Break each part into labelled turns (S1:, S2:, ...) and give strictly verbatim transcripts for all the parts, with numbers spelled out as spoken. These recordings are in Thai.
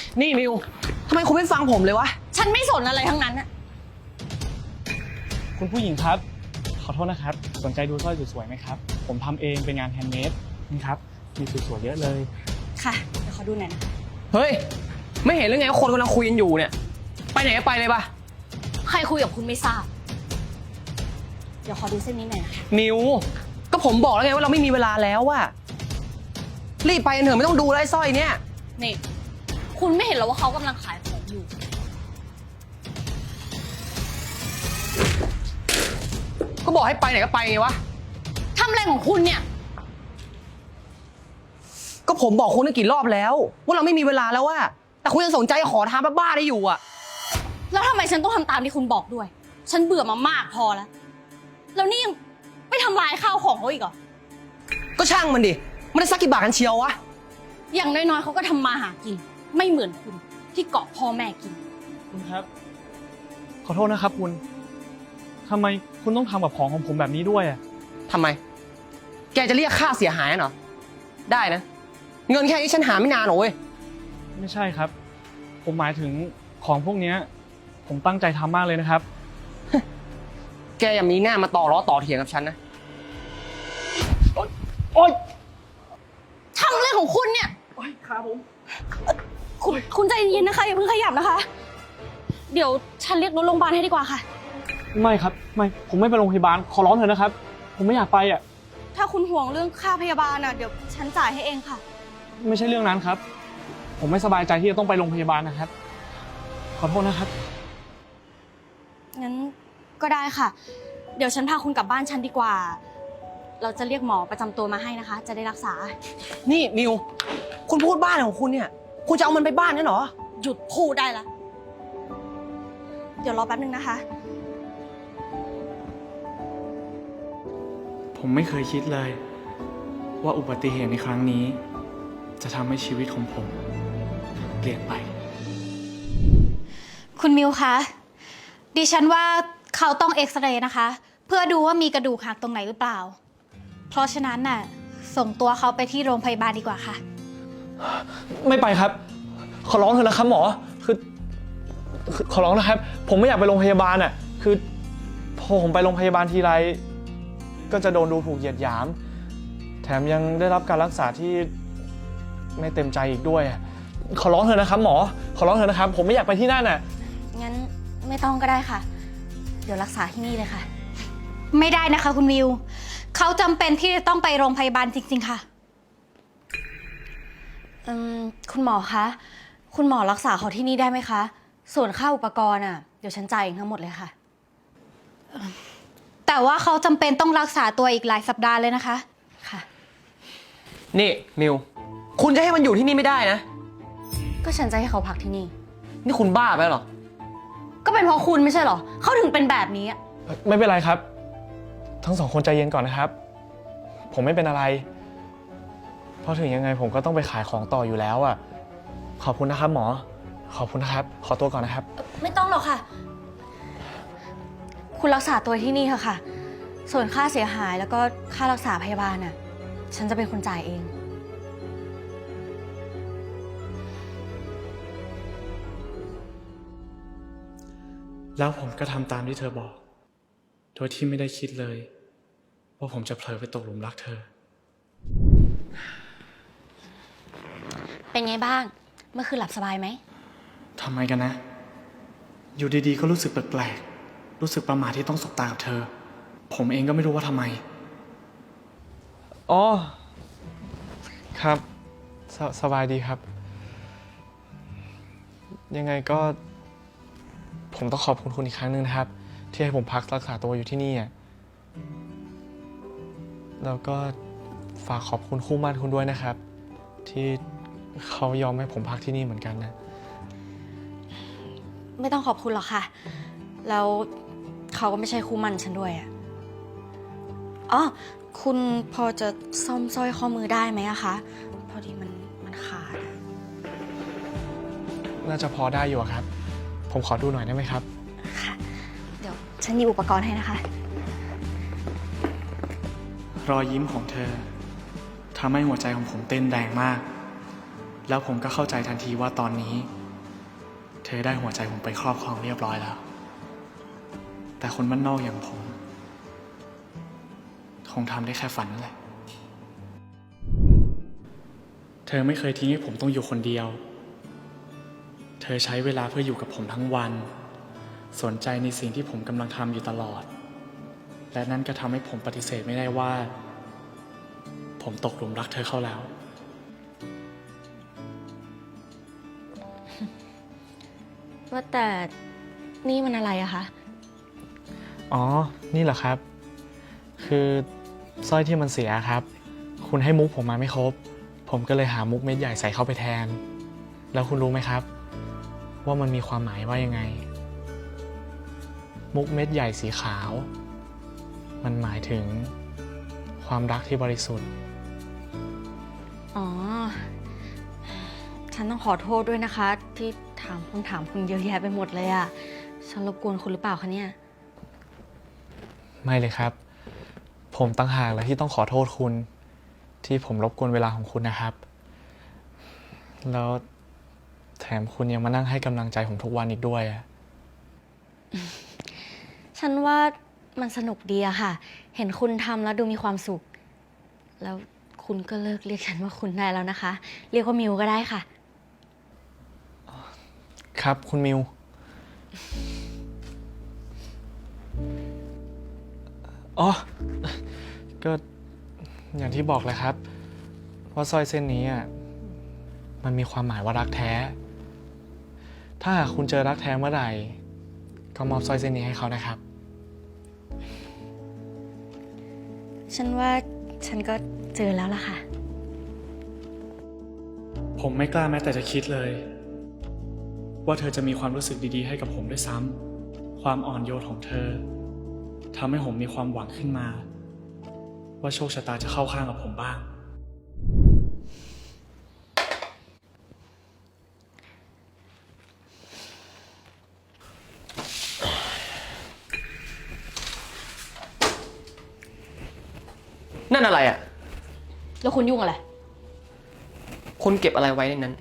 S1: นี่มิวทำไมคุณไม่ฟังผมเลยวะ
S2: ฉันไม่สนอะไรทั้งนั้นอะ
S3: คุณผู้หญิงครับขอโทษนะครับสนใจดูสร้อยสวยๆไหมครับผมทำเองเป็นงานแฮนด์เมดนี่ครับมีสวยๆเยอะเลย
S2: ค่ะเดี๋ยวขอดูหน่อยนะ
S1: เฮ้ยไม่เห็นหรือไงว่าคนกำลังคุยกันอยู่เนี่ยไปไหนก็ไปเลยปะ
S2: ใครคุยกับคุณไม่ทราบเดี๋ยวขอดูเส้นนี้หน่อยนะ
S1: มิวก็ผมบอกแล้วไงว่าเราไม่มีเวลาแล้วอะรีบไปกันเถอะไม่ต้องดูแล้วไอ้สร้อยเนี่ย
S2: นี่คุณไม่เห็นหรอว่าเขากำลังขายของอยู่
S1: ก็บอกให้ไปไหนก็ไปไงวะ
S2: ทำอะไรของคุณเนี่ย
S1: ก็ผมบอกคุณตั้งกี่รอบแล้วว่าเราไม่มีเวลาแล้วว่าแต่คุณยังสนใจขอทานบ้าๆได้อยู่อะ
S2: แล้วทำไมฉันต้องทำตามที่คุณบอกด้วยฉันเบื่อมามากพอแล้วแล้วนี่ยังไม่ทำลายข้าวของเขาอีกเหรอ
S1: ก็ช่างมันดิมันได้สักกี่บาทกันเชียววะ
S2: อย่างน้อยๆเขาก็ทำมาหากินไม่เหมือนคุณที่เกาะพ่อแม่กิน
S3: คุณครับขอโทษนะครับคุณทำไมคุณต้องทำกับของของผมแบบนี้ด้วยอ่ะ
S1: ทำไมแกจะเรียกค่าเสียหายเหรอได้นะเงินแค่นี้ฉันหาไม่นานหรอกเว้ย
S3: ไม่ใช่ครับผมหมายถึงของพวกนี้ผมตั้งใจทำมากเลยนะครับ
S1: แกอย่ามีหน้ามาต่อล้อต่อเถียงกับฉันนะ
S3: โอ๊ย
S2: ทำอะไรของคุณเนี่ย
S3: โอ๊ยขาผม
S2: คุณคุณใจเย็นนะคะอย่าเพิ่งขยับนะคะเดี๋ยวฉันเรียกรถโรงพยาบาลให้ดีกว่าค่ะ
S3: ไม่ครับไม่ผมไม่ไปโรงพยาบาลขอร้องเถอะนะครับผมไม่อยากไปอ่ะ
S2: ถ้าคุณห่วงเรื่องค่าพยาบาลอ่ะเดี๋ยวฉันจ่ายให้เองค่ะ
S3: ไม่ใช่เรื่องนั้นครับผมไม่สบายใจที่จะต้องไปโรงพยาบาลนะครับขอโทษนะครับ
S2: งั้นก็ได้ค่ะเดี๋ยวฉันพาคุณกลับบ้านฉันดีกว่าเราจะเรียกหมอประจำตัวมาให้นะคะจะได้รักษา
S1: นี่มิวคุณพูดบ้านของคุณเนี่ยคุณจะเอามันไปบ้านนี่เหรอ
S2: หยุดพูดได้ละเดี๋ยวรอแป๊บนึงนะคะ
S3: ผมไม่เคยคิดเลยว่าอุบัติเหตุในครั้งนี้จะทำให้ชีวิตของผมเปลี่ยนไป
S4: คุณมิวคะดิฉันว่าเขาต้องเอ็กซเรย์นะคะเพื่อดูว่ามีกระดูกหักตรงไหนหรือเปล่าเพราะฉะนั้นน่ะส่งตัวเขาไปที่โรงพยาบาลดีกว่าค่ะ
S3: ไม่ไปครับขอร้องเถอะนะครับหมอคือขอร้องนะครับผมไม่อยากไปโรงพยาบาลอ่ะคือพอผมไปโรงพยาบาลทีไรก็จะโดนดูถูกเหยียดหยามแถมยังได้รับการรักษาที่ไม่เต็มใจอีกด้วยขอร้องเถอะนะครับหมอขอร้องเถอะนะครับผมไม่อยากไปที่นั่นน่ะ
S2: งั้นไม่ต้องก็ได้ค่ะเดี๋ยวรักษาที่นี่เลยค่ะ
S4: ไม่ได้นะคะคุณมิวเขาจำเป็นที่จะต้องไปโรงพยาบาลจริงๆค่ะ
S2: อืมคุณหมอคะคุณหมอรักษาเขาที่นี่ได้ไหมคะส่วนค่าอุปกรณ์อ่ะเดี๋ยวฉันจ่ายเองทั้งหมดเลยค่ะ
S4: แต่ว่าเขาจำเป็นต้องรักษาตัวอีกหลายสัปดาห์เลยนะคะ
S2: ค่ะ
S1: นี่มิวคุณจะให้มันอยู่ที่นี่ไม่ได้นะ
S2: ก็ฉันจะให้เขาพักที่นี่
S1: นี่คุณบ้าไปหรอ
S2: ก็เป็นเพราะคุณไม่ใช่หรอเขาถึงเป็นแบบนี้
S3: ไม่เป็นไรครับทั้งสองคนใจเย็นก่อนนะครับผมไม่เป็นอะไรเพราะถึงยังไงผมก็ต้องไปขายของต่ออยู่แล้วอ่ะขอบคุณนะครับหมอขอบคุณนะครับขอตัวก่อนนะครับ
S2: ไม่ต้องหรอกค่ะคุณรักษาตัวที่นี่เถอะค่ะส่วนค่าเสียหายแล้วก็ค่ารักษาพยาบาลน่ะฉันจะเป็นคนจ่ายเอง
S3: แล้วผมก็ทำตามที่เธอบอกโดยที่ไม่ได้คิดเลยว่าผมจะเผลอไปตกหลุมรักเธอ
S2: เป็นไงบ้างเมื่อคืนหลับสบายไหม
S3: ทำไมกันนะอยู่ดีๆก็รู้สึกแปลกๆรู้สึกประหม่าที่ต้องสบตากับเธอผมเองก็ไม่รู้ว่าทำไมอ๋อครับ ส, สบายดีครับยังไงก็ผมต้องขอบคุณคุณอีกครั้งหนึ่งนะครับที่ให้ผมพักรักษาตัวอยู่ที่นี่แล้วก็ฝากขอบคุณคู่หมั่นคุณด้วยนะครับที่เขายอมให้ผมพักที่นี่เหมือนกันนะ
S2: ไม่ต้องขอบคุณหรอกค่ะแล้วเขาก็ไม่ใช่คู่หมั่นฉันด้วยอ่ะอ๋อคุณพอจะซ่อมสร้อยข้อมือได้ไหมอะคะพอดีมันมันขาด
S3: น่าจะพอได้อยู่ครับผมขอดูหน่อยได้ไหมครับ
S2: ค่ะเดี๋ยวฉันมีอุปกรณ์ให้นะคะ
S3: รอยยิ้มของเธอทำให้หัวใจของผมเต้นแรงมากแล้วผมก็เข้าใจทันทีว่าตอนนี้ เธอได้หัวใจผมไปครอบครองเรียบร้อยแล้ว แต่คนบ้านนอกอย่างผม คงทำได้แค่ฝันนั่นแหละ เธอไม่เคยทิ้งให้ผมต้องอยู่คนเดียว เธอใช้เวลาเพื่ออยู่กับผมทั้งวัน สนใจในสิ่งที่ผมกำลังทำอยู่ตลอด และนั่นก็ทำให้ผมปฏิเสธไม่ได้ว่า ผมตกหลุมรักเธอเข้าแล้ว
S2: ว่าแต่นี่มันอะไรอะคะ
S3: อ๋อ นี่เหรอครับ คือสร้อยที่มันเสียครับ คุณให้มุกผมมาไม่ครบ ผมก็เลยหามุกเม็ดใหญ่ใส่เข้าไปแทน แล้วคุณรู้ไหมครับ ว่ามันมีความหมายว่ายังไง มุกเม็ดใหญ่สีขาว มันหมายถึงความรักที่บริสุทธิ์
S2: อ๋อ ฉันต้องขอโทษด้วยนะคะ ที่ถามคำถามคุณเยอะแยะไปหมดเลยอะฉันรบกวนคุณหรือเปล่าคะเนี่ย
S3: ไม่เลยครับ ผมตั้งหากแหละที่ต้องขอโทษคุณ ที่ผมรบกวนเวลาของคุณนะครับ แล้วแถมคุณยังมานั่งให้กำลังใจผมทุกวันอีกด้วยอะ
S2: ฉันว่ามันสนุกดีอะค่ะ เห็นคุณทำแล้วดูมีความสุข แล้วคุณก็เลิกเรียกฉันว่าคุณได้แล้วนะคะ เรียกว่ามิวก็ได้ค่ะ
S3: ครับคุณมิว อ๋อ ก็อย่างที่บอกเลยครับ ว่าสร้อยเส้นนี้อ่ะมันมีความหมายว่ารักแท้ ถ้าหากคุณเจอรักแท้เมื่อไหร่ ก็มอบสร้อยเส้นนี้ให้เขานะครับ
S2: ฉันว่าฉันก็เจอแล้วล่ะค่ะ
S3: ผมไม่กล้าแม้แต่จะคิดเลย ว่าเธอจะมีความรู้สึกดีๆให้กับผมด้วยซ้ำความอ่อนโยนของเธอทำให้ผมมีความหวังขึ้นมา ว่าโชคชะตาจะเข้าข้างกับผมบ้าง
S1: นั่นอะไรอ่ะ
S2: แล้วคุณยุ่งอะไร
S1: คุณเก็บอะไรไว้ในนั้น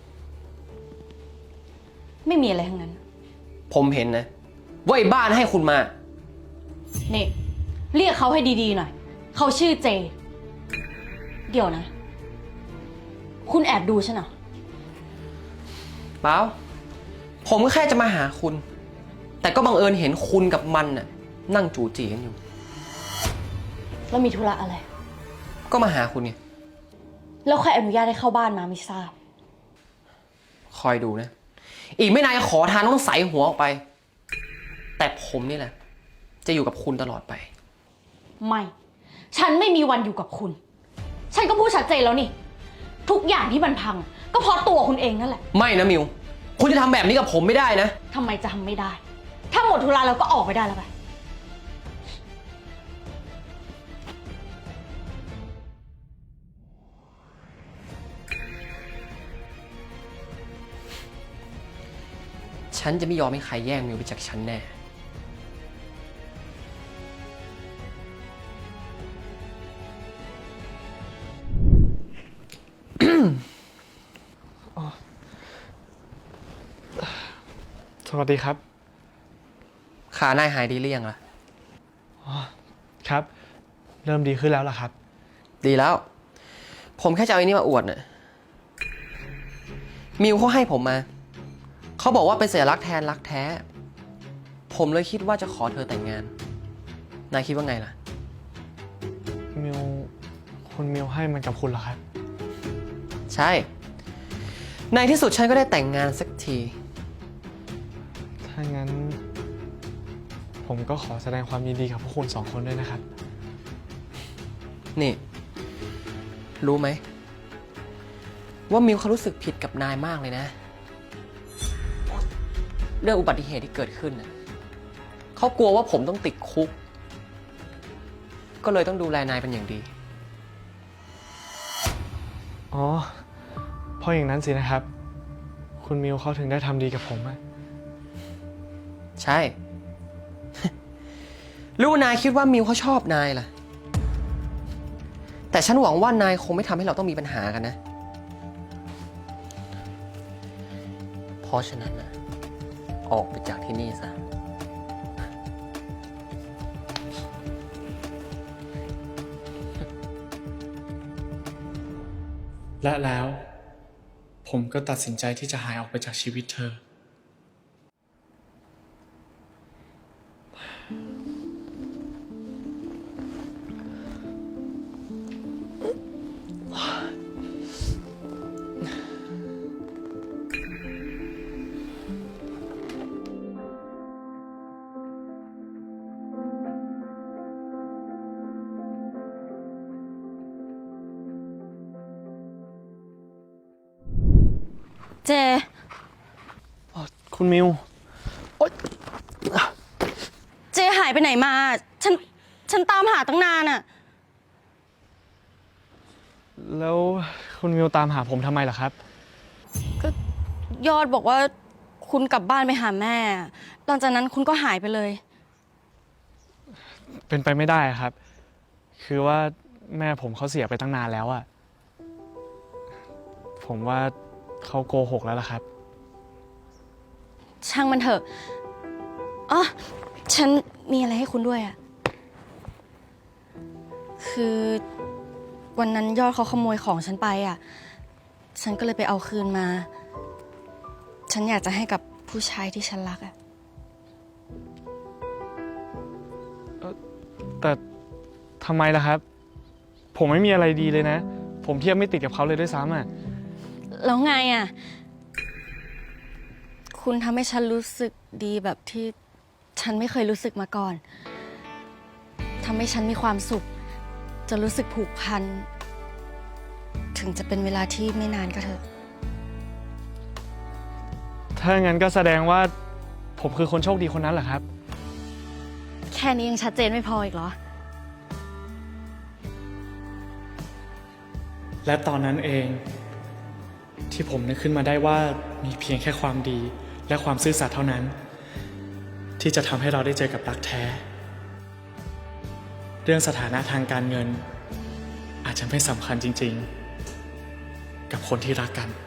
S2: ไม่มีอะไรทั้งนั้น
S1: ผมเห็นนะว่าไอ้บ้านให้คุณมา
S2: นี่ เรียกเขาให้ดีๆหน่อย เขาชื่อเจ เดี๋ยวนะ คุณแอบดูฉันเหรอ
S1: เปล่า ผมก็แค่จะมาหาคุณ แต่ก็บังเอิญเห็นคุณกับมันน่ะนั่งจูจีกันอยู่
S2: แล้วมีธุระอะไร
S1: ก็มาหาคุณไง
S2: แล้วใครอนุญาตให้เข้าบ้านมาไม่ทราบ
S1: คอยดูนะ อีกไม่นานขอทานต้องใส่หัวออกไป แต่ผมนี่แหละ จะอยู่กับคุณตลอดไป
S2: ไม่ ฉันไม่มีวันอยู่กับคุณ ฉันก็พูดชัดเจนแล้วนี่ ทุกอย่างที่มันพัง ก็เพราะตัวคุณเองนั่นแหละ
S1: ไม่นะมิว คุณจะทำแบบนี้กับผมไม่ได้นะ
S2: ทำไมจะทำไม่ได้ ถ้าหมดธุระแล้วก็ออกไปได้แล้วไป
S1: ฉันจะไม่ยอมให้ใครแย่งมิวไปจากฉันแน่
S3: สวัสดีครับ
S1: ขานายหายดีหรือยังล่ะ
S3: ครับ เริ่มดีขึ้นแล้วล่ะครับ
S1: ดีแล้ว ผมแค่จะเอาไอ้นี่มาอวดน่ะ มิวเขาให้ผมมา เขาบอกว่าเป็นสัญลักษณ์แทนรักแท้ ผมเลยคิดว่าจะขอเธอแต่งงาน นายคิดว่าไงล่ะ
S3: มิว คุณมิวให้มันกับคุณเหรอครับ
S1: ใช่ ในที่สุดฉันก็ได้แต่งงานสักที
S3: ถ้างั้น ผมก็ขอแสดงความยินดีกับพวกคุณสองคนด้วยนะครับ
S1: นี่ รู้ไหม ว่ามิวเขารู้สึกผิดกับนายมากเลยนะ เรื่องอุบัติเหตุที่เกิดขึ้นน่ะเขากลัวว่าผมต้องติดคุก ก็เลยต้องดูแลนายเป็นอย่างดี
S3: อ๋อ เพราะอย่างนั้นสินะครับ คุณมิวเขาถึงได้ทำดีกับผมอะ
S1: ใช่ รู้ว่านายคิดว่ามิวเขาชอบนายล่ะ แต่ฉันหวังว่านายคงไม่ทำให้เราต้องมีปัญหากันนะเพราะฉะนั้นนะออกไปจากที่นี่ซะ
S3: และแล้ว ผมก็ตัดสินใจที่จะหายออกไปจากชีวิตเธอ
S2: เจ
S3: คุณมิว
S2: เจหายไปไหนมา ฉัน ฉันตามหาตั้งนานอะ
S3: แล้วคุณมิวตามหาผมทำไมล่ะครับ
S2: ก็ยอดบอกว่าคุณกลับบ้านไปหาแม่ หลังจากนั้นคุณก็หายไปเลย
S3: เป็นไปไม่ได้ครับ คือว่าแม่ผมเขาเสียไปตั้งนานแล้วอะผมว่าเขาโกหกแล้วล่ะครับ
S2: ช่างมันเถอะอ๋อฉันมีอะไรให้คุณด้วยอะคือวันนั้นยอดเขาขโมยของฉันไปอะฉันก็เลยไปเอาคืนมา ฉันอยากจะให้กับผู้ชายที่ฉันรักอะ
S3: แต่ทำไมล่ะครับ ผมไม่มีอะไรดีเลยนะ ผมเทียบไม่ติดกับเขาเลยด้วยซ้ำอะ
S2: แล้วไงอะคุณทำให้ฉันรู้สึกดีแบบที่ฉันไม่เคยรู้สึกมาก่อนทำให้ฉันมีความสุข จะรู้สึกผูกพัน ถึงจะเป็นเวลาที่ไม่นานก็เถอะ
S3: ถ้างั้นก็แสดงว่าผมคือคนโชคดีคนนั้นเหรอครับ
S2: แค่นี้ยังชัดเจนไม่พออีกเหรอ
S3: และตอนนั้นเองที่ผมนึกขึ้นมาได้ว่ามีเพียงแค่ความดีและความซื่อสัตย์เท่านั้น ที่จะทำให้เราได้เจอกับรักแท้ เรื่องสถานะทางการเงิน อาจจะไม่สำคัญจริงๆ กับคนที่รักกัน